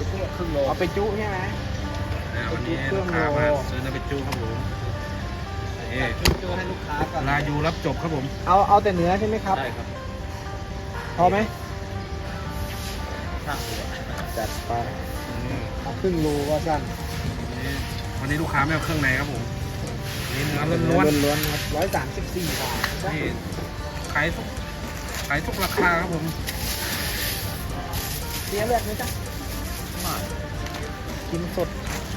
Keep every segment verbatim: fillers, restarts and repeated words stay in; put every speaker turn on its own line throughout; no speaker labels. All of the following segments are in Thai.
ครึ่งโล
เอาไปจุใช่ไหม
วันนี้ลูกค้ามาซื้อเนื้อเป็ดจูครับผมนี่
ครึ่งโลให้ลูกค้าก่อน
ลายูรับจบครับผม
เอาเอาแต่เนื้อใช่ไหมครับ
ได้ครับ
พอไหม
ช่างดู
จัดไป
อืม
เอาครึ่งโลว่าสั้น
นี่วันนี้ลูกค้าไม่เอาเครื่องในครับผมนี่เนื้อ
เนื้
ล้
อ
วน
ล้วนๆครับร้อยสามสิบสี่บาท
ๆนี่ขายทุกขายทุกราคาครับผม
เสียเลือดไหมจ๊ะ
ไม่
กินสด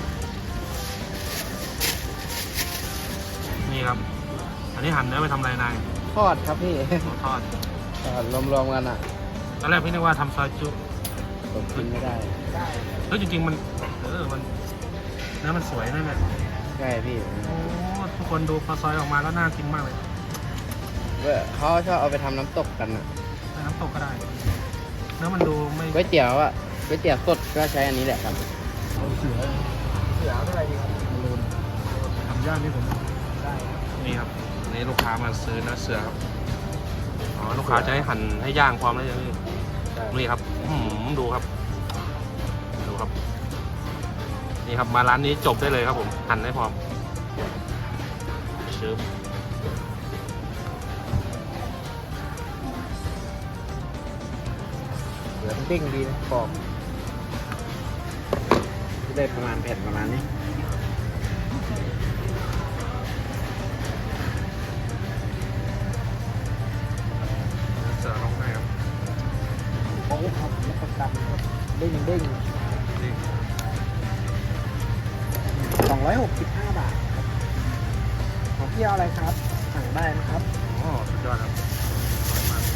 นี่ครับ อันนี้หั่นเนื้อไปทำอะไรนาย
ทอดครับพี่
ทอด
ทอดรวมๆกันอ่ะ
ตอนแรกพี่นึกว่าทำซอยจุ
ผมกินไม่ได้
เฮ้ยจริงๆมันเออมันเนื้อมันสวยนั่นแหละ
ใช่พี่
โอ้ทุกคนดูพอซอยออกมาแล้วน่ากินมากเลย
เขาชอบเอาไปทำน้ำตกกันอ่ะ
น้ำตกก็ได้เนื้อมันดูไม่
ก๋วยเตี๋ยวอ่ะก๋วยเตี๋ยวสดก็ใช้อันนี้แหละครับ
เสือเสือเท่าไหร่ดีครับ
ทำย่างนี่ผม
ได้ครับ
นี่ครับอันนี้ลูกค้ามาซื้อเนื้อเสือครับอ๋อลูกค้าจะให้หั่นให้ย่างพร้อมแล้วยังนี่ครับอื้อหือดูครับดูครับ นี่ครับมาร้านนี้จบได้เลยครับผมหั่นให้พร้อมชื้อ
เหลือมันเด้งดีนะกรอบได้ประมาณแผ่นประมาณนี้
เสือลงให้ครับ
โอ้ครับแล้วก็กันครับเด้งเด้ง
นี่
สองร้อยหกสิบห้าบาทครับของพี่เอาอะไรครับ สั่งได้นะครับ
โอ้สุดยอดครับอร่อยมาก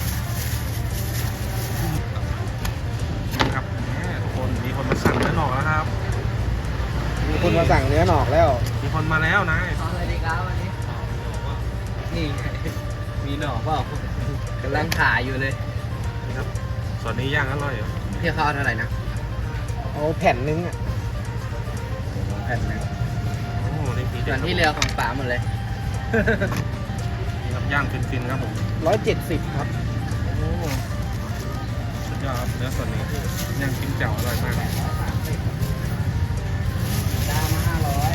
นี่ครับแหมทุกคนมีคนมาสั่งเนื้อหนอกแล้วครับ
มีคนมาสั่งเนื้อหนอกแล้ว
มีคนมาแล้วนาย
ทำอะไรดีครับวันนี้นี่ไงมีหน่อเปล่ากำลังขายอยู่เลย
นี่ครับส่วนนี้ย่างอร่อยเหรอ
พี่เขาเอาเท่าไหร่นะ
เอาแผ่นนึงอ่ะ
แผ่นหนึ่ง
โอ้นี่ผี
ส่
เด็
ว
ด
นที่เรือของป๋าหมดเลย
นี่ครับย่างฟินๆครับผม
ร้อยเจ็ดสิบครับ
โอ้สุดยอดครับเนื้อส่วนนี้ย่างจิ้มแจ่วอร่อยมาก
จานมาห้าร้อย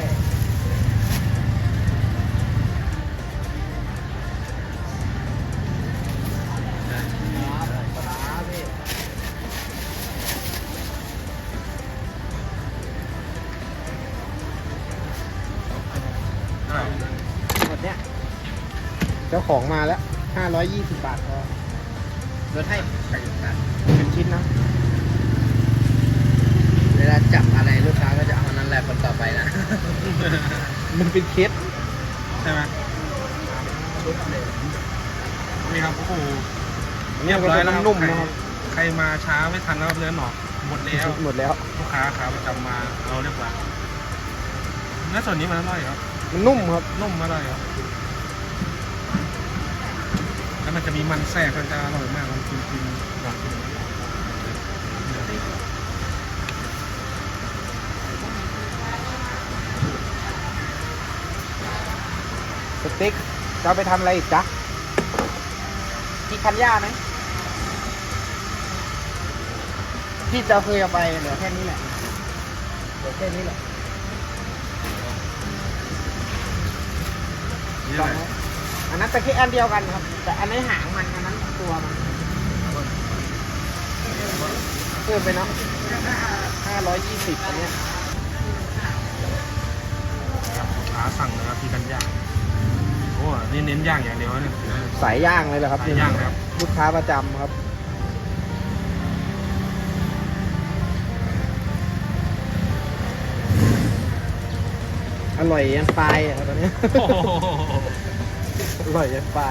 ปลาร้าพี่
อร่อย
หมดเนี้ยเจ้าของมาแล้วห้าร้อยยี่สิบบาทพอ
ลดให้แปดสิบบาท
เป็นชิ้นนะ
เวลาจับอะไรลูกค้าก็จะเอานั่นแหละคนต่อไปนะ
มันเป็นเคส
ใช่ไหมนี่ครับโอ้โห
เรียบร้อยแล้วนุ่มนะครับ
ใครมาช้าไม่ทันแล้วครับเนื้อหนอกหมดแล้ว
หมดแล้ว
ลูกค้าขาประจำมาเอาเรียบร้อยเนื้อส่วนนี้มันอร่อยครับ
มันนุ่มครับ
นุ่มอร่อยครับแล้วมันจะมีมันแทรกมันจะอร่อยมากลองกินกินลองกินเ
สเต็กจะเอาไปทำอะไรอีกจ๊ะที่คันย่าไหมพี่จะเคยเอาไปเหลือแค่นี้แหละเหลือแค่นี้แหละ
นี่
ล
เล
อง
ย
ไหมอันนั้นแต่แค่อันเดียวกันครับ แต่อันนี้หางมันอันนั้นตัวมันเพิ่มไปเนาะห้าร้อยยี่สิบอันเนี้ย
ครับขาสั่งนะครับที่กันย่างโอ้นี่เน้นย่างอย่างเดียวเนี่ย
สายย่างเลยเหรอครับ
สายย่างครับ
ลูกค้าประจำครับ อร่อยยันปลายอ่ะตอนนี้
โอ้โห
อร่อยยันปลาย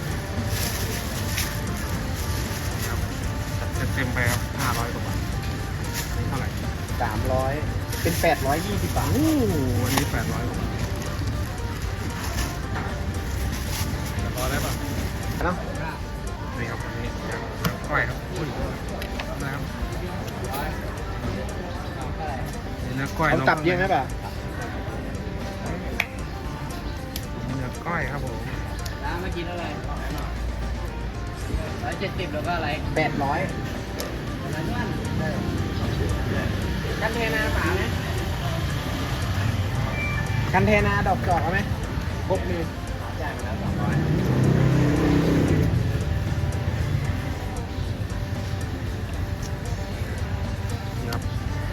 ครับจัดเต็มไปครับห้าร้อยกว่าบาทนี่เท่าไหร่
สามร้อยเป็นแปดร้อยยี่สิบบาท
โอ้วันนี้แปดร้อยกว่าบาทจะพอได้ป่ะ
เนาะ
นี่ครับอันนี้ย่างแล้วก้อยครับอุ้ยนะครับนี่เนื้อก้อย
ต้องกลับเยอะไหมป่ะ
เนื้อก้อยครับผม
น้ำมากินอะไรร้อยเจ็ดสิบแล้วก็อะไร
แปดร้อย
อะไรนั่น
เทนาฝาไหมกันเทนาดอกจอกเอาไหมครบเลยจ่ายไปแล้วสองร้อย
นี่ครับ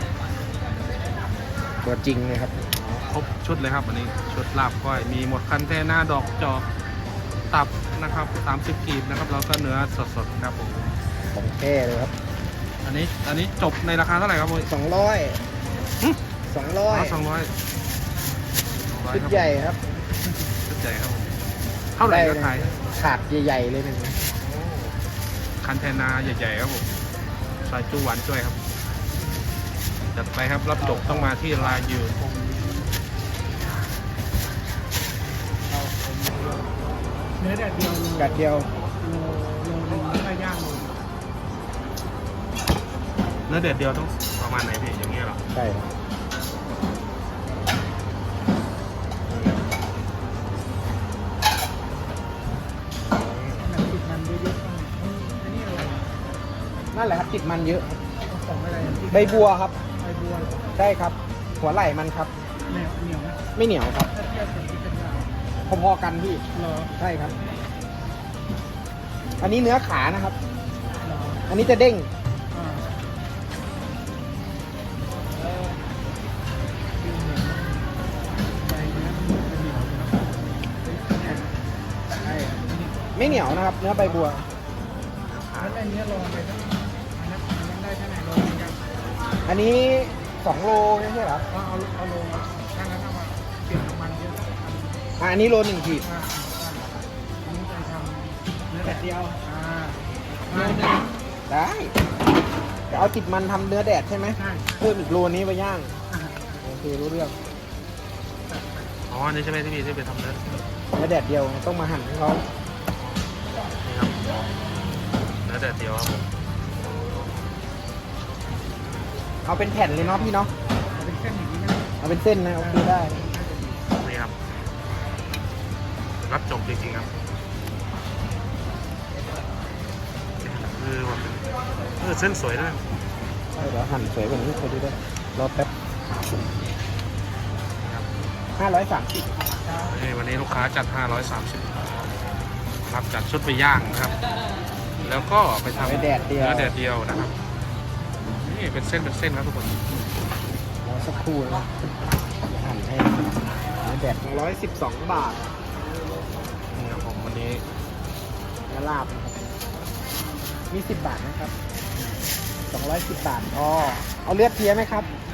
ตัวจริงเลยครับ
ครบชุดเลยครับอันนี้ชุดลาบก้อยมีหมดคันเทน่าดอกจอกตับนะครับสามสิบกีบนะครับแล้วก็เนื้อสดๆครับผม
ของแท้เลยครับ
อันนี้อันนี้จบในราคาเท่าไหร่ครับผม
สองร้อยสองร้อย
สองร้อย
ชุดใหญ่ครับ
ชุดใหญ่ครับผมเท่าไหร่ก็ขาย
ขาดใหญ่ๆเลยหนึ่งนะ
คันเทนาใหญ่ๆครับผมใส่จูหวานช่วยครับจัดไปครับรับจบต้องมาที่ลายู
เนื้อแดดเดียว
กัดเดียว
โลโลนึงแล้วก็ย่างโล
เนื้อเด็ดเดียวต้องประมาณไหนพี่อย่างเงี้ยเหรอ
ใช่ครับ
แบบติดมันเยอะๆต้องอันนี้อะไร
นั่นแหละครับติดมันเยอะ
ของอะไร
ใบบัวครับ
ใบบัวเหรอ
ใช่ครับ หัวไหล่มันครับ
เหนียวเหนียวไหม
ไม่เหนียวครับ
ถ้าเทียบกับที่เป็นเรา
พอๆกันพี่
เหรอ
ใช่ครับ อันนี้เนื้อขานะครับ
เหรอ
อันนี้จะเด้ง
อ่าเออดูเหนียวใบเนื้อมันจะเหนียวนะใช่
ไม่เหนียวนะครับ เนื้อใบบัว
แล้วอันนี้ลองไปตั้งอันนั้นอันนั้นได้เท่าไหร่ลงกัน
อันนี้สองโลไม่ใช่เหรอ
เอาเอาเอาลงถ้างั้นเอามาเปลี่ยนน้ำมันเยอะสักอัน
อ่ะอันนี้โลหนึ่งขีด
อ่าอันนี้จะทำเนื้อแดดเดียวอ่าเนื้อแดด
ได้แต่เอาติดมันทำเนื้อแดดใช่ไหม
ใช่
เพิ่มอีกโลนี้ไปย่าง
อ่า
โอเครู้เรื่อง
อ๋ออันนี้ใช่ไหมที่พี่ที่ไปทำเนื้อ
เนื้อแดดเดียวต้องมาหั่นให้เขา
นี่ครับเนื้อเด็ดเดียวครับผม
เอาเป็นแผ่นเลยเนาะพี่เนาะ
เอาเป็นเส้นอย่างนี้นะ
เอาเป็นเส้นนะโอเคได้
นี่ครับรับจบจริงๆครับคือแบบเออเส้นสวยด้วย
ใช่เดี๋ยวหั่นสวยกว่านี้ไปดูได้รอแป๊บห้าร้อยสามสิบ
นี่วันนี้ลูกค้าจัดห้าร้อยสามสิบครับจัดชุดไปย่างนะครับ แล้วก็ไปทำ
ไปแดดเดียว
เนื้อแดดเดียวนะครับนี่เป็นเส้นเป็นเส้นครับทุกคน
รอสักครู่นะหั่นให้เนื้อแดดร้อยสิบสองบาท
นี่ครับผมวันนี้
เนื้อลาบนะครับมีสิบบาทนะครับสองร้อยสิบบาทอ๋อเอาเลือดเพี้ยไหมครับ